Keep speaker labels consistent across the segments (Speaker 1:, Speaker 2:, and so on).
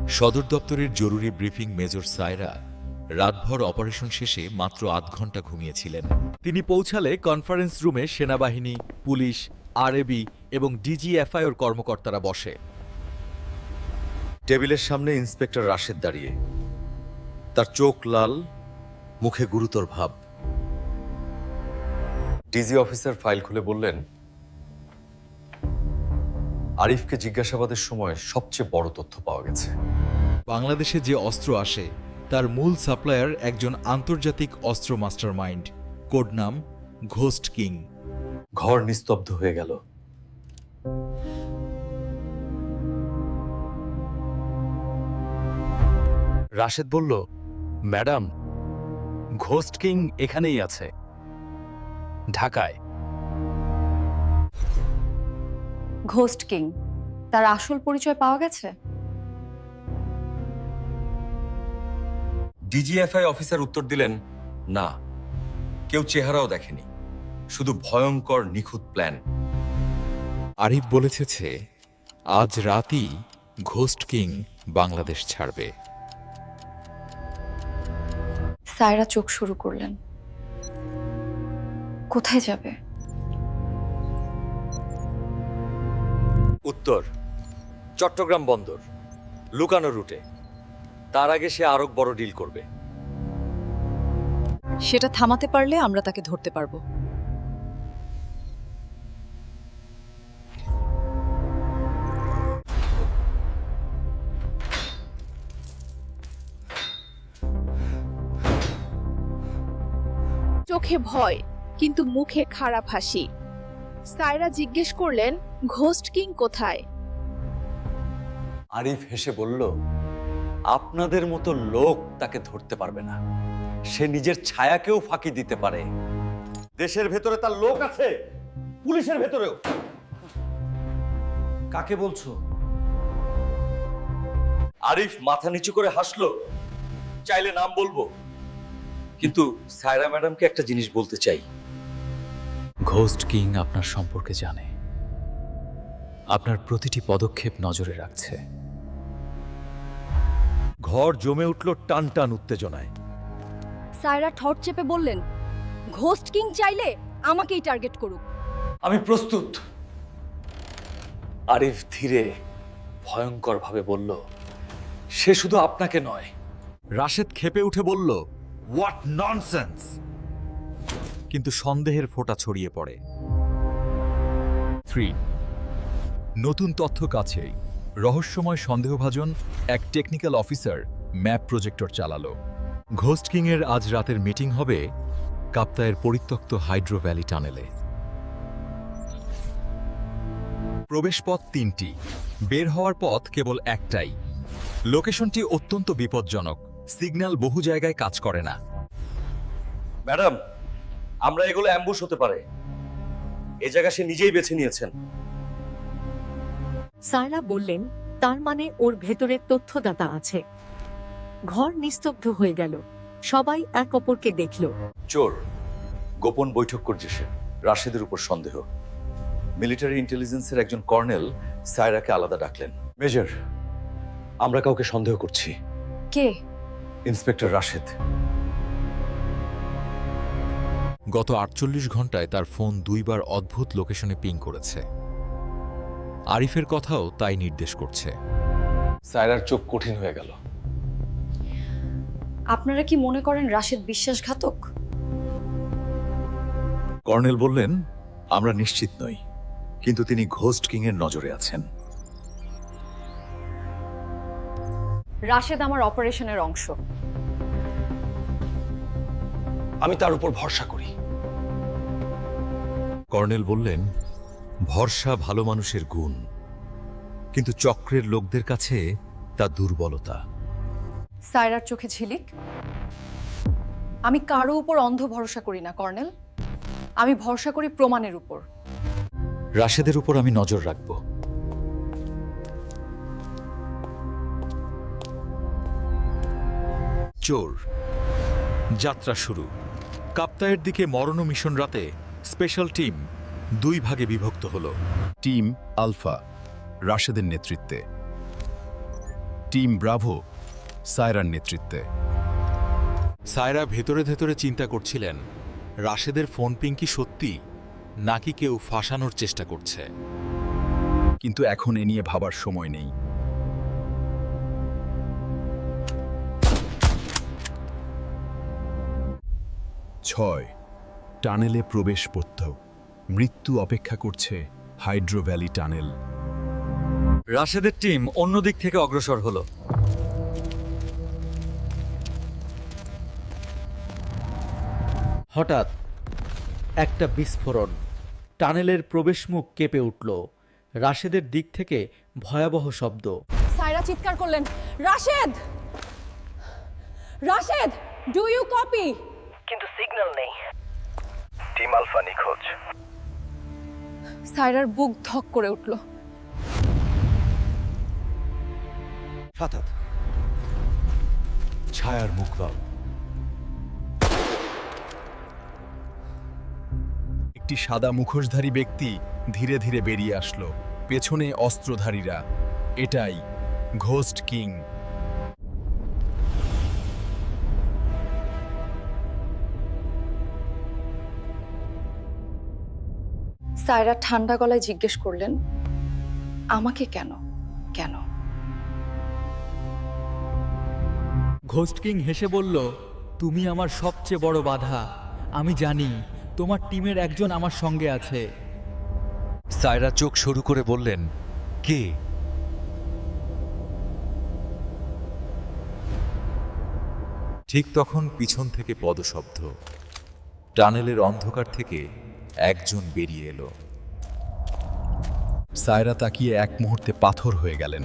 Speaker 1: সদর দপ্তরের জরুরি ব্রিফিং মেজর সায়রা রাতভর অপারেশন শেষে মাত্র ৮ ঘন্টা ঘুমিয়েছিলেন। তিনি পৌঁছালে কনফারেন্স রুমে সেনাবাহিনী, পুলিশ, আরএবি এবং ডিজিএফআইর কর্মকর্তারা বসে। টেবিলের সামনে ইন্সপেক্টর রাশেদ দাঁড়িয়ে, তার চোখ লাল, মুখে গুরুতর ভাব। ডিজি অফিসার ফাইল খুলে বললেন, আরিফকে জিজ্ঞাসাবাদের সময় সবচেয়ে বড় তথ্য পাওয়া গেছে। বাংলাদেশে যে অস্ত্র আসে তার মূল সাপ্লায়ার একজন আন্তর্জাতিক অস্ত্র মাস্টারমাইন্ড, কোড নাম ঘোস্ট কিং। ঘর নিস্তব্ধ হয়ে গেল।
Speaker 2: রাশেদ বলল, ম্যাডাম, ঘোস্ট কিং এখানেই আছে, ঢাকায়।
Speaker 3: ঘোস্ট কিং, তার আসল পরিচয় পাওয়া গেছে?
Speaker 1: ডিজিএফআই অফিসার উত্তর দিলেন, না, কেউ চেহারাও দেখেনি, শুধু ভয়ঙ্কর নিখুঁত প্ল্যান। আরিফ বলেছে আজ রাতই ঘোস্ট কিং বাংলাদেশ ছাড়বে।
Speaker 3: সায়রা চোখ শুরু করলেন। কোথায় যাবে?
Speaker 1: উত্তর, চট্টগ্রাম বন্দর, লুকানো রুটে। তার আগে সে আরো বড় ডিল করবে।
Speaker 4: সেটা থামাতে পারলে আমরা তাকে ধরতে পারবো।
Speaker 5: চোখে ভয় কিন্তু মুখে খারাপ হাসি। সায়রা জিজ্ঞেস করলেন, ঘোস্ট কিং কোথায়?
Speaker 1: আরিফ হেসে বলল, আপনাদের মতো লোক তাকে ধরতে পারবে না। সে নিজের ছায়াকেও ফাঁকি দিতে পারে। দেশের ভেতরে তার লোক আছে, পুলিশের ভেতরেও। কাকে বলছো? আরিফ মাথা নিচু করে হাসলো। চাইলে নাম বলবো, কিন্তু সায়রা ম্যাডামকে একটা জিনিস বলতে চাই।
Speaker 2: ঘোস্ট কিং আপনার সম্পর্কে জানে, আপনার প্রতিটি পদক্ষেপ নজরে রাখছে।
Speaker 1: ঘর জমে উঠল টান টান উত্তেজনায়।
Speaker 3: সায়রা ঠোঁট চেপে বললেন, ঘোস্ট কিং চাইলে আমাকেই টার্গেট করুক।
Speaker 1: আমি প্রস্তুত। আরিফ ধীরে ভয়ঙ্কর ভাবে বলল, সে শুধু আপনাকে নয়। রাশেদ ক্ষেপে উঠে বলল, হোয়াট ননসেন্স! কিন্তু সন্দেহের ফোঁটা ছড়িয়ে পড়ে। 3 নতুন তথ্য কাছেই রহস্যময় সন্দেহভাজন এক টেকনিক্যাল অফিসার ম্যাপ প্রজেক্টর চালালো। ঘোস্ট কিং এর আজ রাতের মিটিং হবে কাপ্তায়ের পরিত্যক্ত হাইড্রো ভ্যালি টানেলে। প্রবেশপথ 3টি, বের হওয়ার পথ কেবল একটাই। লোকেশনটি অত্যন্ত বিপজ্জনক, সিগন্যাল বহু জায়গায় কাজ করে না। ম্যাডাম, আমরা এগুলো অ্যাম্বুশ হতে পারে। এই জায়গা সে নিজেই বেছে নিয়েছেন।
Speaker 6: সায়রা বললেন, তার মানে ওর ভেতরে তথ্যদাতা আছে। ঘর নিস্তব্ধ হয়ে গেল, সবাই এক অপরকে দেখল।
Speaker 1: চোর গোপন বৈঠক করছে সে। রাশেদের উপর সন্দেহ। মিলিটারি ইন্টেলিজেন্সের একজন কর্নেল সায়রাকে আলাদা ডাকলেন। মেজর, আমরা কাউকে সন্দেহ করছি।
Speaker 3: কে?
Speaker 1: ইন্সপেক্টর রাশেদ। গত ৪৮ ঘন্টায় তার ফোন 2 বার অদ্ভুত লোকেশনে পিং করেছে। আরিফের কথাও তাই নির্দেশ করছে। সায়রার চোখ কঠিন হয়ে গেল।
Speaker 3: আপনারা কি মনে করেন রাশেদ বিশ্বাসঘাতক?
Speaker 1: কর্নেল বললেন, আমরা নিশ্চিত নই, কিন্তু তিনি ঘোস্ট কিং এর নজরে আছেন।
Speaker 3: রাশেদ আমার অপারেশনের অংশ।
Speaker 1: আমি তার উপর ভরসা করি। কর্নেল বললেন, ভরসা ভালো মানুষের গুণ, কিন্তু চক্রের লোকদের কাছে তা দুর্বলতা।
Speaker 3: সায়রার চোখে ঝিলিক। আমি কারো উপর অন্ধ ভরসা করি না কর্নেল, আমি ভরসা করি প্রমাণের উপর।
Speaker 1: রাশেদের উপর আমি নজর রাখব। চোর যাত্রা শুরু। কাপ্তায়ের দিকে মরণ মিশন রাতে স্পেশাল টিম 2 ভাগে বিভক্ত হল। টিম আলফা রাশেদের নেতৃত্বে,
Speaker 7: টিম ব্রাভো সায়রার নেতৃত্বে।
Speaker 8: সায়রা ভেতরে ভেতরে চিন্তা করছিলেন রাশেদের ফোন পিং কি সত্যি নাকি কেউ ফাঁসানোর চেষ্টা করছে।
Speaker 7: কিন্তু এখন এ নিয়ে ভাবার সময় নেই। ছয়, টানেলে প্রবেশ পথ। মৃত্যু অপেক্ষা করছে হাইড্রো ভ্যালি টানেল।
Speaker 2: রাশেদের টিম অন্য দিক থেকে অগ্রসর হলো।
Speaker 9: হঠাৎ একটা বিস্ফোরণ, টানেলের প্রবেশমুখ কেঁপে উঠল। রাশেদের দিক থেকে ভয়াবহ শব্দ।
Speaker 3: সায়রা চিৎকার করলেন, Rashed! Rashed, do you copy?
Speaker 10: কিন্তু সিগন্যাল নেই। টিম আলফা নিখোঁজ।
Speaker 3: সায়রার বুক ধক করে উঠল।
Speaker 8: হঠাৎ ছায়ার মুখভাব।
Speaker 7: একটি সাদা মুখোশধারী ব্যক্তি ধীরে ধীরে বেরিয়ে আসলো, পেছনে অস্ত্রধারীরা। এটাই ঘোস্ট কিং।
Speaker 3: সায়রা ঠান্ডা গলায় জিজ্ঞেস করলেন, আমাকে কেন? কেন?
Speaker 9: ঘোস্ট কিং হেসে বলল, তুমি আমার সবচেয়ে বড় বাধা। আমি জানি তোমার টিমের একজন আমার সঙ্গে আছে।
Speaker 2: সায়রা চোখ শুরু করে বললেন, কে?
Speaker 8: ঠিক তখন পিছন থেকে পদশব্দ। টানেলের অন্ধকার থেকে একজন বেরিয়ে এলো।
Speaker 7: সায়রা তাকিয়ে এক মুহূর্তে পাথর হয়ে গেলেন।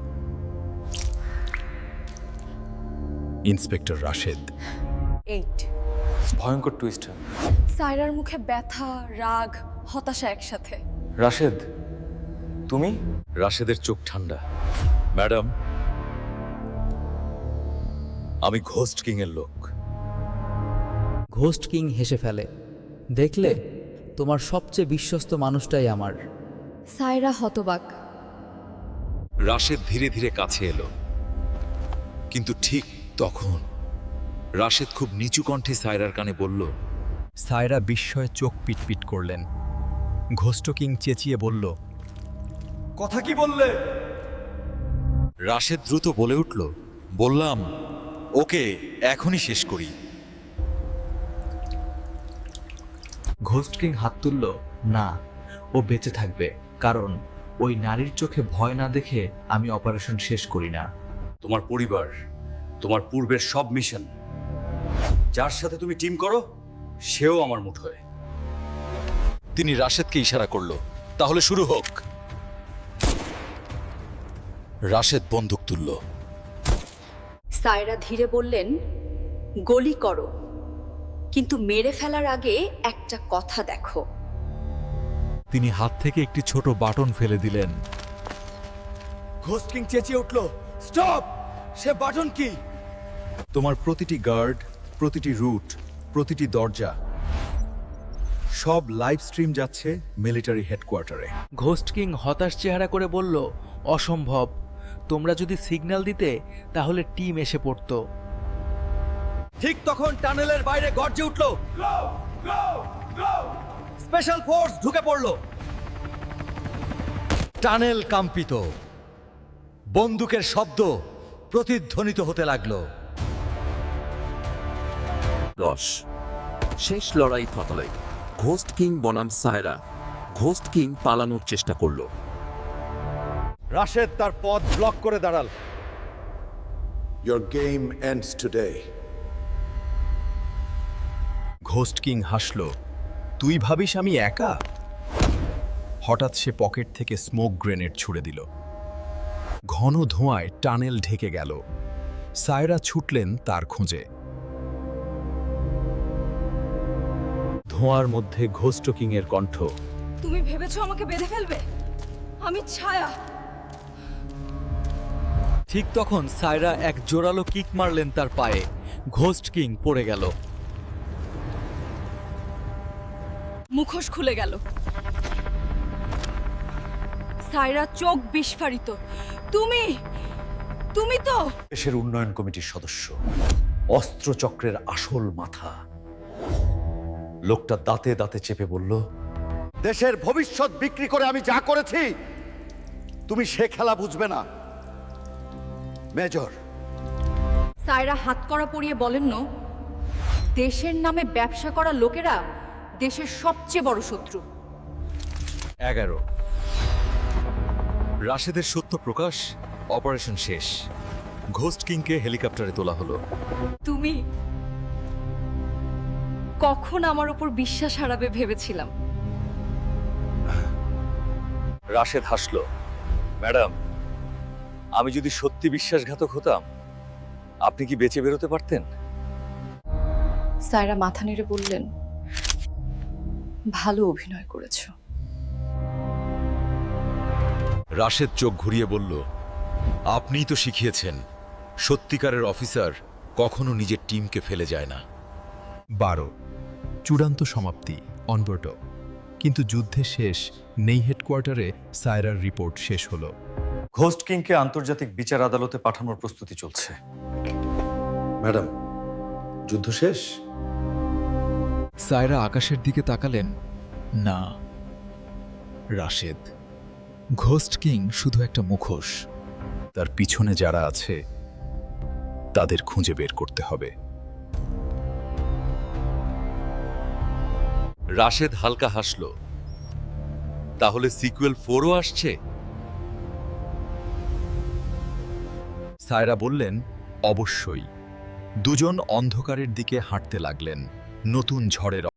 Speaker 7: ইন্সপেক্টর রাশেদ।
Speaker 3: 8।
Speaker 2: ভয়ঙ্কর টুইস্ট।
Speaker 3: সায়রার মুখে ব্যথা, রাগ, হতাশা একসাথে।
Speaker 2: রাশেদ, তুমি? রাশেদের চোখ ঠান্ডা। ম্যাডাম, আমি ঘোস্ট কিং এর লোক।
Speaker 9: ঘোস্ট কিং হেসে ফেলে, দেখলে তোমার সবচেয়ে বিশ্বস্ত মানুষটাই আমার।
Speaker 3: সায়রা হতবাক।
Speaker 1: রাশেদ ধীরে ধীরে কাছে এলো, কিন্তু ঠিক তখন রাশেদ খুব নিচু কণ্ঠে সায়রার কানে বলল।
Speaker 7: সায়রা বিস্ময়ে চোখ পিটপিট করলেন। ঘোস্ট কিং চেঁচিয়ে বলল,
Speaker 1: কথা কি বললে? রাশেদ দ্রুত বলে উঠল, বললাম ওকে এখনই শেষ করি।
Speaker 9: ঘোস্ট কিং হাত তুলল, না, ও বেঁচে থাকবে, কারণ ওই নারীর চোখে ভয় না দেখে আমি অপারেশন শেষ করি না।
Speaker 1: তোমার পরিবার, তোমার পূর্বের সব মিশন, যার সাথে তুমি টিম করো সেও আমার মুঠোয়। তিনি রাশেদকে ইশারা করলো, তাহলে শুরু হোক। রাশেদ বন্দুক তুলল।
Speaker 4: সায়রা ধীরে বললেন, গুলি করো, কিন্তু মেরে ফেলার আগে একটা কথা দেখো।
Speaker 8: তিনি হাত থেকে একটি ছোট বাটন ফেলে দিলেন।
Speaker 1: ঘোস্ট কিং চেঁচিয়ে উঠল, স্টপ! সে বাটন কি?
Speaker 7: তোমার প্রতিটি গার্ড, প্রতিটি রুট, প্রতিটি দরজা, সব লাইভ স্ট্রিম যাচ্ছে মিলিটারি হেডকোয়ার্টারে।
Speaker 9: ঘোস্ট কিং হতাশ চেহারা করে বলল, অসম্ভব। তোমরা যদি সিগন্যাল দিতে তাহলে টিম এসে পড়তো।
Speaker 1: ঠিক তখন টানেলের বাইরে গর্জে উঠল, স্পেশাল ফোর্স ঢুকে পড়ল। টানেল কম্পিত, বন্দুকের শব্দ প্রতিধ্বনিত হতে লাগলো।
Speaker 11: 10 শেষ লড়াই থতলে ঘোস্ট কিং বনাম সায়রা। ঘোস্ট কিং পালানোর চেষ্টা করল।
Speaker 1: রাশেদ তার পথ ব্লক করে দাঁড়াল।
Speaker 12: Your game ends today.
Speaker 7: Ghost king হাসল, তুই ভাবিস আমি একা? হঠাৎ সে পকেট থেকে স্মোক গ্রেনেড ছুড়ে দিল। ঘন ধোঁয়ায় টানেল ঢেকে গেল। সায়রা ছুটলেন তার খোঁজে। ধোঁয়ার মধ্যে ঘোস্ট কিং এর কণ্ঠ,
Speaker 3: তুমি ভেবেছো আমাকে বেঁধে ফেলবে? আমি ছায়া।
Speaker 9: ঠিক তখন সায়রা এক জোরালো কিক মারলেন তার পায়ে। ঘোস্ট কিং পড়ে গেল।
Speaker 3: মুখোশ খুলে গেল। সায়রা চোখ বিস্ফারিত। তুমি
Speaker 4: তুমি তো
Speaker 1: দেশের উন্নয়ন কমিটির সদস্য, অস্ত্রচক্রের আসল মাথা। লোকটা দাঁতে দাঁতে চেপে বলল, দেশের ভবিষ্যৎ বিক্রি করে আমি যা করেছি তুমি সে খেলা বুঝবে না মেজর।
Speaker 3: সায়রা হাতকড়া পরিয়ে বলেন, দেশের নামে ব্যবসা করা লোকেরা দেশের সবচেয়ে বড় শত্রু।
Speaker 1: 11 রাশেদের সত্য প্রকাশ, অপারেশন শেষ। ঘোস্ট কিংকে হেলিকপ্টারে তোলা হলো।
Speaker 3: তুমি কখন আমার উপর বিশ্বাস হারাবে ভেবেছিলাম।
Speaker 1: রাশেদ হাসল, ম্যাডাম, আমি যদি সত্যি বিশ্বাসঘাতক হতাম আপনি কি বেঁচে বেরোতে পারতেন?
Speaker 3: সায়রা মাথা নেড়ে বললেন, ভালো অভিনয় করেছো।
Speaker 1: রাশেদ চোখ ঘুরিয়ে বলল, আপনিই তো শিখিয়েছেন সত্যিকারের অফিসার কখনো নিজের টিমকে ফেলে যায় না।
Speaker 7: 12 চূড়ান্ত সমাপ্তি অনবর্ট। কিন্তু যুদ্ধে শেষ নেই হেডকোয়ার্টারে সায়রার রিপোর্ট শেষ হলো।
Speaker 1: ঘোস্ট কিংকে আন্তর্জাতিক বিচার আদালতে পাঠানোর প্রস্তুতি চলছে। ম্যাডাম, যুদ্ধ শেষ?
Speaker 8: সায়রা আকাশের দিকে তাকালেন। না রাশেদ, ঘোস্ট কিং শুধু একটা মুখোশ।
Speaker 7: তার পিছনে যারা আছে তাদের খুঁজে বের করতে হবে।
Speaker 1: রাশেদ হালকা হাসল, তাহলে সিকুয়েল 4ও আসছে?
Speaker 7: সায়রা বললেন, অবশ্যই। দুজন অন্ধকারের দিকে হাঁটতে লাগলেন নতুন ঝড়ের